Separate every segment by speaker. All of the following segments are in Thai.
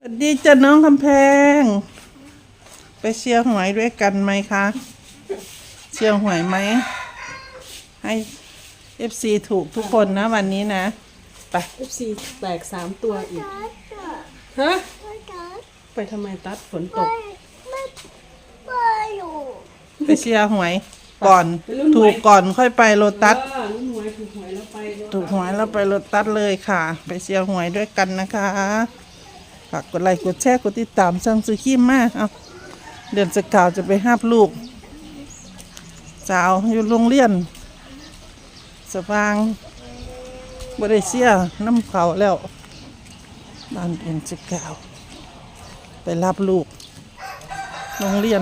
Speaker 1: สวัสดีจ้ะน้องคำแพงไปเชียร์หวยด้วยกันไหมคะเชียร์หวยไหมให้ FC ถูกทุกคนนะวันนี้นะไป
Speaker 2: FC แตก3 ตัวอีก ฮะ ไปทำไมตัดฝนตก
Speaker 1: ไปเชียร์หวยก่อนถูกก่อนค่อยไปโลตัส
Speaker 2: ลุ้นหวยถูกหวยแล้วไป
Speaker 1: ถูกหวยแล้วไปโลตัสเลยค่ะ ไปเชียร์หวยด้วยกันนะคะฝากกดไลค์กดแชร์กดติดตามช่องซูคิมมากเอาเดือนสกาวจะไปห้าบลูกสาวอยู่โรงเรียนสว่างบริเซียน้ำเขาแล้วบ้านเดือนสกาวไปรับลูกโรงเรียน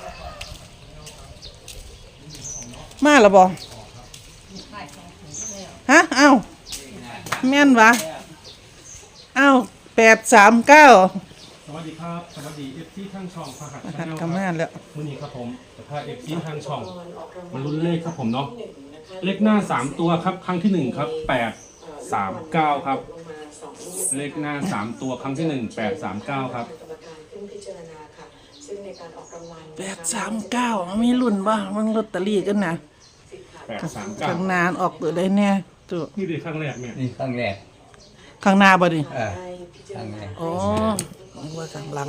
Speaker 1: มาแล้วบ่ฮะเอ้าแม่นวะเอ้า839
Speaker 3: สวัสดีครับ สวัสดีเอฟซีทางช่องพหัส
Speaker 1: หั
Speaker 3: ชา
Speaker 1: ด
Speaker 3: แนล
Speaker 1: กำมาแล้ว
Speaker 3: มื้อนี้ครับผมจะพาเอฟซีทางช่องมันลุ้นเลขครับผมเนาะเลขหน้า3ตัวครับครั้งที่1ครับ839ครับเลขหน้า3ตัวครั้งที่1 839ครับ
Speaker 1: 839มีรุ่นบ่มันลอตเตอรี่กันนะข้าง
Speaker 3: 839
Speaker 1: หน้าออกตัวได้แน่ตัว
Speaker 3: นี่เป็นครั้งแรกเนี่ย
Speaker 4: นี่ครั้งแรก
Speaker 1: ข้างหน้าบ่ดิ
Speaker 4: ครั้งแรก
Speaker 1: อ๋อว่าข้างหลัง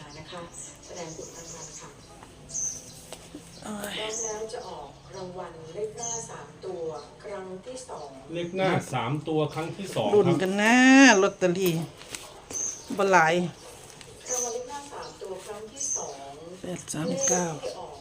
Speaker 5: แล้วจะออกรางวัลเลขหน้า3ตัวครั้งที่2
Speaker 3: เลขหน้า3ตัวครั้งที่2
Speaker 1: รุ่น
Speaker 3: ครับ
Speaker 1: กันนะลอตเตอรี่บ่หลาย
Speaker 5: รางวัลเลขหน้า3ตัวครั้งที่2เลข
Speaker 1: 839
Speaker 5: ที่ออก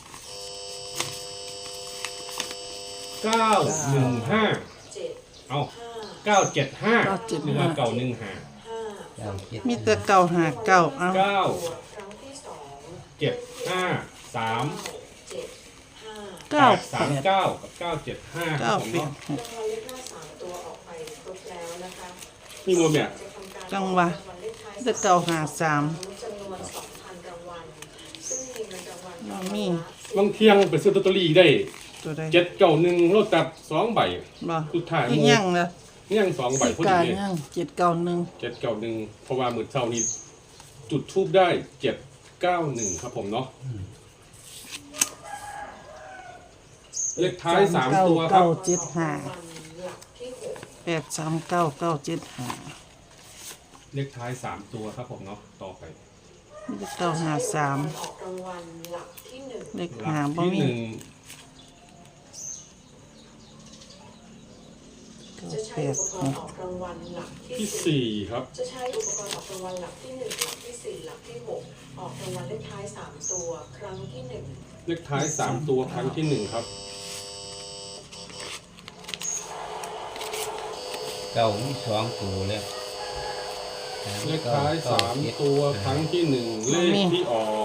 Speaker 3: 915
Speaker 5: 7
Speaker 3: เอา975
Speaker 1: 975
Speaker 3: เนื้อเก่า1 5
Speaker 5: 5
Speaker 4: เก้าเจ็ด
Speaker 1: มีแต่เก่าหาเก่าเอา
Speaker 3: 9
Speaker 5: ครั้งที่2
Speaker 3: 7 5 3
Speaker 5: 7 5
Speaker 1: เก้า
Speaker 3: 839กับ975ครับผมเนาะ
Speaker 5: รางวัลเลขหน้า3ตัวออกไปครบแล้วนะคะ
Speaker 3: นี่โมเนี่ย
Speaker 5: จะทำการ
Speaker 1: จังหวะ
Speaker 5: รางวัลเลขท้าย
Speaker 1: แต่เก่าหา3
Speaker 5: จำนวน 2,000 รางวัลซึ่งมีเงินรางวัล
Speaker 1: บ่มี
Speaker 3: บางเที่ยงไปซื้อลอตเตอรี่ได้
Speaker 1: ตัวใด
Speaker 3: 791รถตัด2ใบ
Speaker 1: บ่
Speaker 3: สุดท้าย
Speaker 1: อีกยังล่ะ
Speaker 3: ยัง2ใบ
Speaker 1: อีก
Speaker 3: พอก
Speaker 1: า
Speaker 3: ดีเลย
Speaker 1: ยัง791
Speaker 3: 791เพราะว่ามื้อเช้านี้จุดทูบได้791ครับผมเนาะเลขท้าย3ตัวครับ
Speaker 1: 975
Speaker 5: หลักที่6
Speaker 1: 839 975
Speaker 3: เลขท้าย3ตัวครับผมเนาะต่อไป
Speaker 1: มีแต่เก่าหา3
Speaker 5: ออกรางวัลหลักที่1
Speaker 1: เลข
Speaker 3: หลั
Speaker 1: หาก บ่
Speaker 3: ที่
Speaker 1: มี
Speaker 5: จะใช้อุปกรณ์ออกรางวัลหลัก
Speaker 3: 1
Speaker 5: ที่
Speaker 3: ที่
Speaker 5: 4
Speaker 3: 4ครับ
Speaker 5: จะใช้อุปกรณ์ออกรางวัลหลักที่1หลักที่4หลักที่6ออกรางวัลเลขท้าย3ตัวครั้งที่1
Speaker 3: เลขท้าย3ตัวครั้งที่1ครับ
Speaker 4: เก้ามีสองตัวแล้ว
Speaker 3: เลขท้าย3ตัวครั้งที่1เลขที่ออก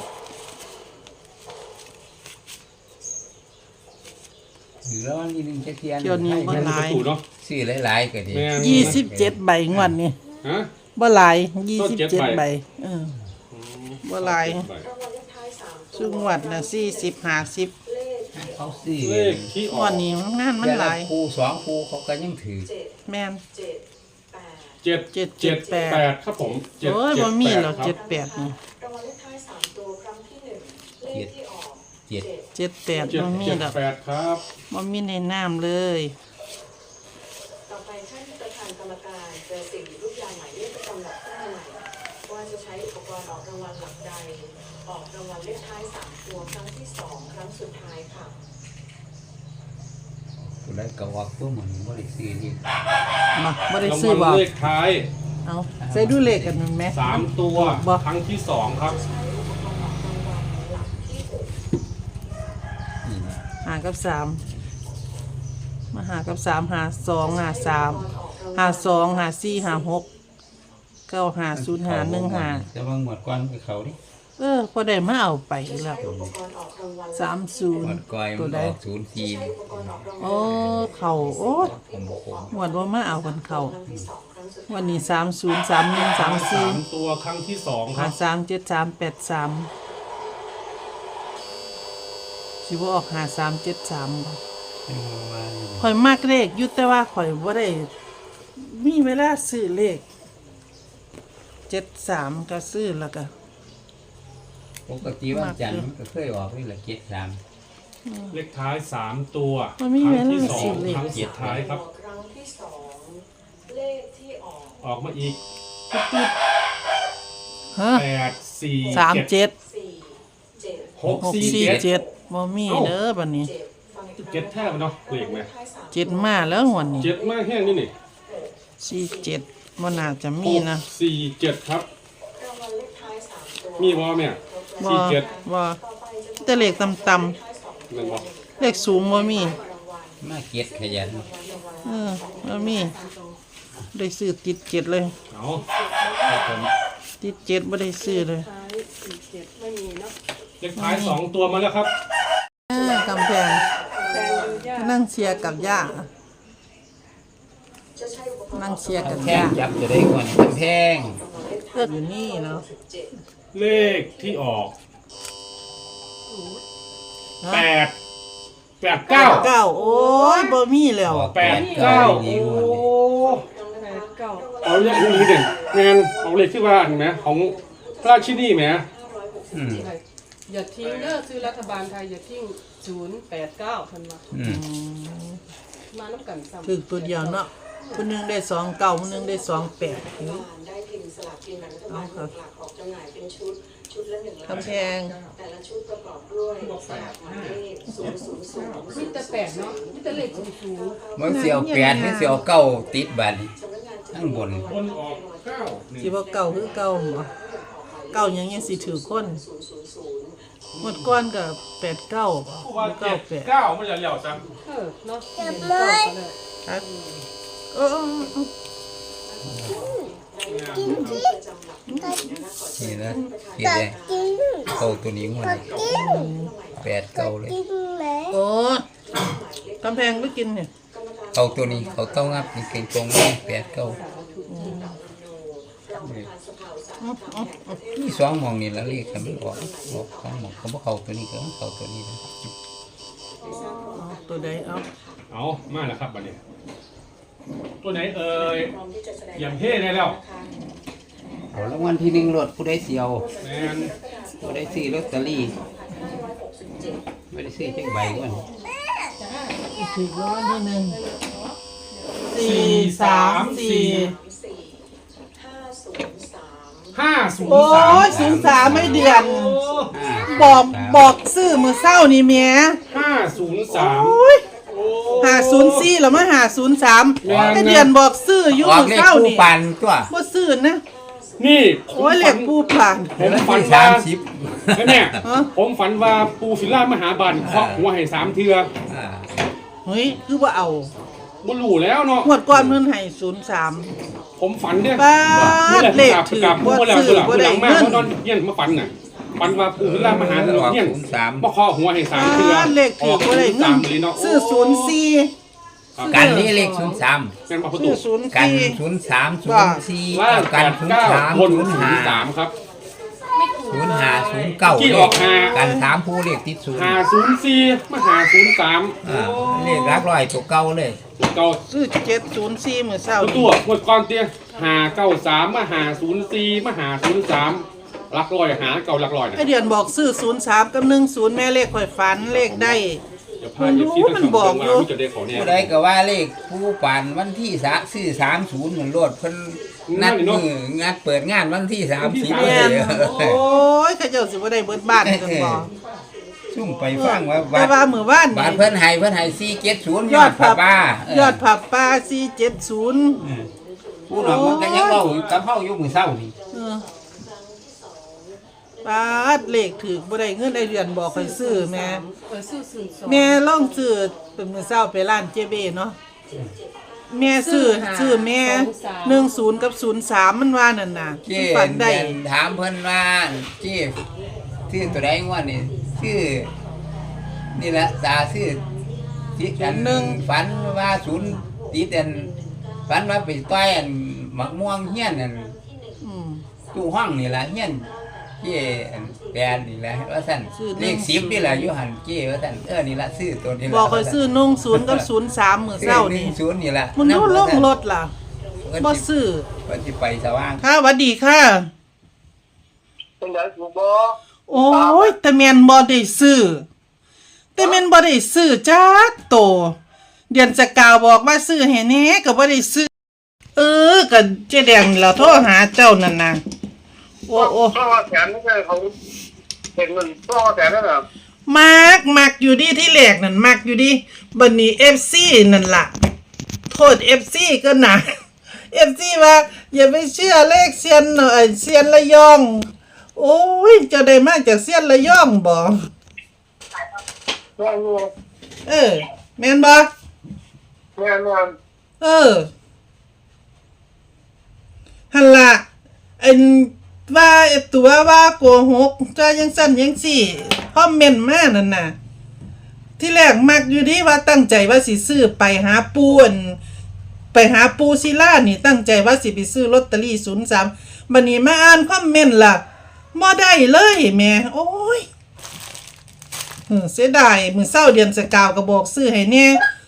Speaker 4: หรือแล้ววันนี้นึงจะเทียน
Speaker 1: เที่ยวนี้บ่
Speaker 3: มัน
Speaker 1: ห
Speaker 3: ประ
Speaker 1: ลาย
Speaker 3: ตูเนาะ
Speaker 4: ซื้อหลายๆก็ดี
Speaker 3: แม่น
Speaker 1: 27 ใบงวดนี้
Speaker 3: ฮะ
Speaker 1: บ่หลาย
Speaker 3: ต้น7
Speaker 1: 27 ใบเออ บ่หลาย
Speaker 5: รางวัลเลขท้าย3ตัว
Speaker 1: ซึ่งงวดน่ะ40 50
Speaker 5: เลข
Speaker 4: เขาซื้อ
Speaker 3: เลขที่อ
Speaker 1: ง
Speaker 3: อ
Speaker 1: ว
Speaker 3: ก
Speaker 1: ดนี้งานมันหลาย
Speaker 4: คู่สองคู่เขาก็ยังถือ
Speaker 5: 7
Speaker 1: แม่น
Speaker 5: 7 8
Speaker 3: 778ครับผม778
Speaker 1: โอ้ยบ่มีหรอก
Speaker 3: ครับ
Speaker 1: 78นี่
Speaker 5: รางวัลเลขท้าย3ตัวครั้งที่1เลขที่ออก
Speaker 4: เจ็ด
Speaker 1: 78บ่มีดอก
Speaker 3: 778ครับ
Speaker 1: บ่มีในน้ำเลย
Speaker 5: ต่อไปท่านประธานกรรมการจะเสี่ยงหยิบลูกยางหมายเลขประจำหลักขึ้นมาใหม่ว่าจะใช้อุปกรณ์ออกรางวัลหลักใดออกรางวัลเลขท้าย3ตัวครั้งที่2ครั้งสุดท้ายค่ะ
Speaker 4: ตัวนั้นก็ว่าตัวมันบ่ได้ซื้อนี่
Speaker 1: มาบ่ได้
Speaker 3: ราง
Speaker 1: ซื้อ
Speaker 3: วั
Speaker 1: บ่
Speaker 3: ลเลขท้าย
Speaker 1: เอาใส่ดูเลขกันนั่นแหม
Speaker 3: 3ตัว
Speaker 1: บ่
Speaker 3: ครั้งที่2ครับ
Speaker 5: ใช้อุปกรณ์ออกรางวัลหลักที่6
Speaker 4: นี่นะ
Speaker 1: หากับ3มาหากับ3หา2หา3หา2หา4หา6 9หา0หา1หา
Speaker 4: แต่ว่าหมดก่อนคือเขาดิ
Speaker 1: พอได้มาเอาไปแล้ว
Speaker 5: อุปกรณ์ออกรางวัล
Speaker 4: หมด
Speaker 1: 30
Speaker 4: ก่อย
Speaker 1: ตั
Speaker 4: มั
Speaker 1: วนใด
Speaker 4: ออกศูนย์สี่
Speaker 5: ใช้อุปกรณ์ออกรางวัล
Speaker 1: โอ้เข้าโอ้
Speaker 4: ผมบอกผม
Speaker 1: หวดว่ามาเอากันเข้า
Speaker 5: ครั้งที่2ครั้งสุดท้าย
Speaker 1: วันนี้30 31 34
Speaker 3: 3ตัวครั้งที่2ค
Speaker 1: หา
Speaker 3: รับ
Speaker 1: 3 7 3 8 3สิบ่ออกหา3 7 3บ่
Speaker 4: เป็นว่าอยู่
Speaker 1: ข่อยมักเลขอยู่แต่ว่าข่อยบ่ได้มีเวลาซื้อเลข 73ก็ซื้อแล้วก็
Speaker 4: ปกติวันจันทร์มันก็เคยออกนี่แหละ73
Speaker 3: เลขท้ายสามตัว
Speaker 1: มันมี
Speaker 3: ค
Speaker 1: เว
Speaker 3: รั้ง
Speaker 1: ลา
Speaker 3: ที่สอ
Speaker 1: สิ
Speaker 3: ง
Speaker 1: เลข
Speaker 3: ครั้งสุดท้ายครับ
Speaker 5: ครั้งที่สองเลขที่ออก
Speaker 3: ออกมาอีก
Speaker 1: ฮะ
Speaker 3: 8 4 7
Speaker 1: 37
Speaker 5: สี่เจ็ด
Speaker 3: 6 4 7
Speaker 1: 647บ่มีเด้อบัดนี้
Speaker 5: เจ็ดฟังอีกครั้ง
Speaker 3: เจ็ดแทบเนาะเลขไหม
Speaker 5: ท้ายสาม
Speaker 1: เจ็ดมาแล้วหวนนี่
Speaker 3: เจ็ดมากแห้งนี่นี่
Speaker 1: 47บ่น่าจะมีนะ
Speaker 3: 6 4 7ครับ
Speaker 5: รางวัลเลขท้ายสามตัว
Speaker 3: มีบอเนี่ย
Speaker 1: บ่
Speaker 3: สี่เจ็ด
Speaker 1: บ่
Speaker 5: ต่อไปจะ
Speaker 1: แต่เลขต่ำ
Speaker 5: ท้ายสอง
Speaker 3: เงินบอ
Speaker 1: ๆเลขสูงบ่มี
Speaker 5: รางวัล
Speaker 4: มาเก็ดขยัน
Speaker 1: บ่มีได้ซื้อติด7เลย
Speaker 3: เอาครับผม
Speaker 1: ติด7บ่ได้ซื้อเลย
Speaker 2: ท้าย47ไม่มีเนาะ
Speaker 3: เลขท้าย2ตัวมาแล้วครับ
Speaker 1: กำแพง
Speaker 2: แดงดูยาก
Speaker 1: นั่งเชียร์กับย่า
Speaker 5: จะใช้อุปกรณ์
Speaker 1: นั่งเชียร์กับ
Speaker 4: แท่ง
Speaker 1: ย่า
Speaker 4: จับจะได้ก่อนกำแพง
Speaker 1: เลือกอยู่นี่เนาะ
Speaker 3: เลขที่ออก 8 8 9
Speaker 1: 9โอ้ยบ่มีแล้ว
Speaker 3: 8 9โอ้
Speaker 2: 89
Speaker 3: เอาเลขนี้เด่นงานเอาเลขที่ว่าอันไหมของพระราชินีไหม
Speaker 4: อืม
Speaker 2: อย่าทิ้งเด้อซื้อรัฐบาลไทยอย่าทิ้ง089ทันมา
Speaker 4: อืม
Speaker 2: มาน้ำกันซ้ำ
Speaker 1: คือตัวเดียวเนาะผู้หนึงได้29ผู้หนึงได้28
Speaker 5: ได้พิมพ์สลากกินแบ่งรัฐบาลหลักออกจำหน่ายเป็นชุดละ1 ล้าน
Speaker 1: กำแพง
Speaker 5: แต่ละชุดประกอบด้วยสลากหมายเลข000
Speaker 2: มีแต่8เนาะมีแต่เลขสูง
Speaker 4: มันเสียว8มันเสียว9ติดบัดนี้ทั้งบน
Speaker 3: บนออก9
Speaker 1: สิบ่เก่าคือเก่าบ่เก่าหยังยังสิถือคนหมดก้อนก็89บ่
Speaker 3: ผู้ว่า
Speaker 1: 98
Speaker 3: 9มันจะเหลี่ยวจัง
Speaker 2: เนาะเห็นก็เลย
Speaker 1: ครับเออ
Speaker 4: นี่นะเขียนได้เข้าตัวนี้งวด8 9เลย
Speaker 1: โอ้กำแพงไปกินเนี่ย
Speaker 4: เข้าตัวนี้เขาเต้างับนี่เก่งตรงนี้8 9นี่2หม่องนี่ละเลขกันมันออก2หม่องเขาบ่เข้าตัวนี้ก็เข้าตัวนี้นะ
Speaker 1: เอาตัวใดเอา
Speaker 3: เอามาแล้วครับบัดนี้ ตัวไหนเอ่ยเยี่ยมเท่ได้แล้ว
Speaker 4: เอารางวัลที่1รถผู้ใดเสียว
Speaker 3: แมน
Speaker 4: ผู้ใดซื้อลอตเตอรี่ไม่ได้ซื้อจักใบก่อน
Speaker 1: ถือรางวัลที่หนึ่ง
Speaker 3: 4 3 4 5
Speaker 1: โอ้ย
Speaker 3: 0 3
Speaker 1: 03ไม่เดือน บอกซื้อมือเศร้านี่แหม่
Speaker 3: 5 0 3
Speaker 1: โอ้ย504แล้วมา503ไม่เดือนบอกซื้ออยู่
Speaker 4: ออก
Speaker 1: มือ
Speaker 4: เลข
Speaker 1: เศร้า
Speaker 4: ผู้
Speaker 1: นี่
Speaker 4: ปันตัว
Speaker 1: บ่ซื้อนะ
Speaker 3: นี่ผม
Speaker 1: โอ้ยเหล็
Speaker 3: ฝั
Speaker 1: ก
Speaker 3: น
Speaker 1: ปูผ่าน
Speaker 3: ผมฝัน
Speaker 4: ที่
Speaker 3: ว่า
Speaker 4: 30
Speaker 3: แล้วเนี่ย
Speaker 1: ฮะ
Speaker 3: ผมฝันว่าปูฟิลล่ามหาบันเคาะหัวให้3เทือ
Speaker 4: อ่า
Speaker 1: เฮ้ยคือว่าเอา
Speaker 3: บ่รู้แล้วเนาะ
Speaker 1: งวดก่อนเพิ่นให้03
Speaker 3: ผมฝันเนี่ย
Speaker 1: ป้า
Speaker 3: นี่แหละ
Speaker 1: เลข
Speaker 3: กลับ
Speaker 1: ถือ
Speaker 3: กลับ
Speaker 1: บ่
Speaker 3: เมื่อแล้ว
Speaker 1: ซื้อ
Speaker 3: ตัวหลัง
Speaker 1: บ่ได้
Speaker 3: มาก
Speaker 1: เงิน
Speaker 3: เพราะนอนเยี่ยนมาฝันน่ะฝันว่าปูฟิลล่ามหาเยี่ยนมาเคาะหัวให้3เทือ
Speaker 1: เลขถือบ่ได้เงิน
Speaker 3: เลยเนาะ
Speaker 1: ซื้อ04
Speaker 4: กันนี่เลข03
Speaker 3: เป็นมาประ
Speaker 1: ซื้
Speaker 3: ตู
Speaker 1: อ
Speaker 4: กัน
Speaker 1: 04
Speaker 4: 03
Speaker 3: ล่าง
Speaker 4: 04กัน
Speaker 3: 89บน
Speaker 4: 03
Speaker 3: 03ครับ
Speaker 4: 05
Speaker 3: ที่
Speaker 4: 09
Speaker 3: ออกหา
Speaker 4: กัน3ผู้เลขติดศูนย์
Speaker 3: 504มา503
Speaker 4: อ่าเลขหลักร้อยตัวเก่าเลย
Speaker 3: เก่า
Speaker 1: ซื้อ704มื้อเช้า
Speaker 3: ตัวหมดก่อนเตี้ย593มา504มา503หลักร้อยหาเก่าหลักร้อยนะ
Speaker 1: ไอเดือนบอกซื้อ03กับ10แม่เลขข่อยฝันเลขได้
Speaker 3: เดี๋ยวพาเอฟซีทั้งสอง
Speaker 1: มันบอกอยู่
Speaker 3: จะได้ขอเนี่ย
Speaker 4: ผู้ใดก็ว่าเลขผู้ปันวันที่ซื้อ30เหมือนรถเพิ่นนัดมืองานเปิดงานวันที่30
Speaker 1: แม่น
Speaker 4: เลย
Speaker 1: โอ้ยเขาเจ้าสิบ่ได้เบิดบ้านกันบ่
Speaker 4: ซุ่มไปฟังว่า
Speaker 1: แต่ว่ามื้อวาน
Speaker 4: บาท
Speaker 1: นี่
Speaker 4: เพิ่นให้470
Speaker 1: ยอดผับ
Speaker 4: ป้าย
Speaker 1: อดผับป้า470
Speaker 4: ผู้น้องมันก็ยังเว้าอยู่กับเฮาอยู่มื้อเช้านี่
Speaker 1: เออปาดเลขถูกบ่ได้เงินไอเดือนบอกให้ซื้อแม่
Speaker 2: ซื้อ02
Speaker 1: แม่ลองซื้อเป็นมื้อเช้าไปร้านเจเบเนาะแม่ซื้อแม่10กับ03มันว่านั่นน่ะ
Speaker 4: เจ้
Speaker 1: มันฝันได้
Speaker 4: ถามเพิ่นว่าเจ้ซื้อตัวใดงวดนี่ซื้อนี่แหละตาซื้อที่กันหนึ่งฝันว่าศูนย์ติดอันฝันว่าไปต่อยอันหมักม่วงเฮียนอัน
Speaker 1: อืม
Speaker 4: ตู้ห้องนี่ล่ะเฮียนเจ้อันแปลนนี่แหละว่าซั่น
Speaker 1: ซื้อ
Speaker 4: เลข10นี่แหละอยู่หั่นเจ้ว่าซั่นนี่ล่ะซื้อตัวนี้ล่ะ
Speaker 1: บอกให้ซื้อ10กับ03มื้อเช้านี่
Speaker 4: ศูนย์นี่ล่ะ
Speaker 1: มันรู้ลงรถล่ะ
Speaker 4: โ
Speaker 1: บ่ซื้อ
Speaker 4: เพิ่นสิไปสว่าง
Speaker 1: ค่ะหวัดดีค่ะ
Speaker 6: เป็นไงถูกบ่
Speaker 1: โอ้ยแต่แม่นบ่ได้ซื้อแต่แม่นบ่ได้ซื้อจักโตเดือนสกาวบอกว่าซื้อให้แหน่ก็บ่ได้ซื้อก็เจ๊แดงนี่ล่ะโทรหาเจ้านั่นน่ะโอ้
Speaker 6: ต้องแสนไม่ใช่เขาเห็นเงินต้องแสนนั่นน่ะ
Speaker 1: มักอยู่ดิที่แรกนั่นมักอยู่ดิบัดนี้ FC นั่นล่ะโทษ FC ก็นะ FC ว่าอย่าไปเชื่อเลขเซียนเซียนระยอง โอ้ยจะได้มาจากเซียนระยองบ่
Speaker 6: แม่น
Speaker 1: แม่นบ่
Speaker 6: แม่น
Speaker 1: หั่นล่ะอันว่าตัวว่าโกหกจะยังสั่นยังสี่คอมเมนต์มานั่นน่ะ ที่แรกมักอยู่ดิว่าตั้งใจว่าสิซื้อไปหาปูนไปหาปูศิลานี่ตั้งใจว่าสิไปซื้อลอตเตอรี่03บัดนี้มาอ่านคอมเมนต์ล่ะบ่ได้เลยแม่โอ้ยเสียดายมื้อเช้าเดือนสกาวก็บอกซื้อให้แน่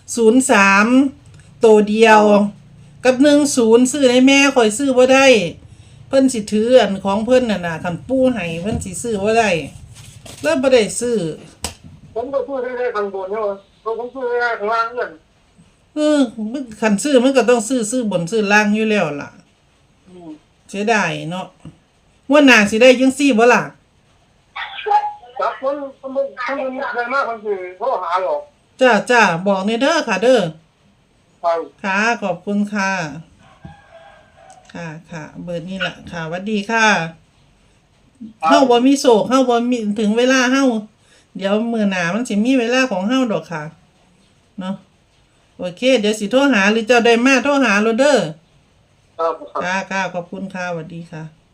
Speaker 1: 03ตัวเดียวกับ10ซื้อให้แม่ข่อยซื้อบ่ได้เพิ่นสิถืออันของเพิ่นน่ะนะคันปูให้เพิ่นสิซื้อบ่ได้แล้วบ่ได้ซื้อ
Speaker 6: ผมก็พูดได้ข้างบนใช่ไหมผมพูดได้ข้างล่างเงิน
Speaker 1: มันคันซื้อมันก็ต้องซื้อบนซื้อล่างอยู่แล้วล่ะเสียดายเนาะว่าหน้าสิได้จังซี่บ่ล่ะ
Speaker 6: จับคนได้มากคนคือเขาหาหรอก
Speaker 1: จ้าบอกในเด้อค่ะเด้อ
Speaker 6: ไป
Speaker 1: ค่ะขอบคุณค่ะค่ะเบอร์นี้ล่ะค่ะหวัดดีค่ะเฮาบ่มีโศกเฮาบ่มีถึงเวลาเฮาเดี๋ยวมื้อหน้ามันสิมีเวลาของเฮาดอกค่ะเนาะโอเคเดี๋ยวสิโทรหาหรือเจ้าได้มาโทรหาโลดเด้อ
Speaker 6: ครับ
Speaker 1: ค่ะขอบคุณค่ะหวัดดีค่ะ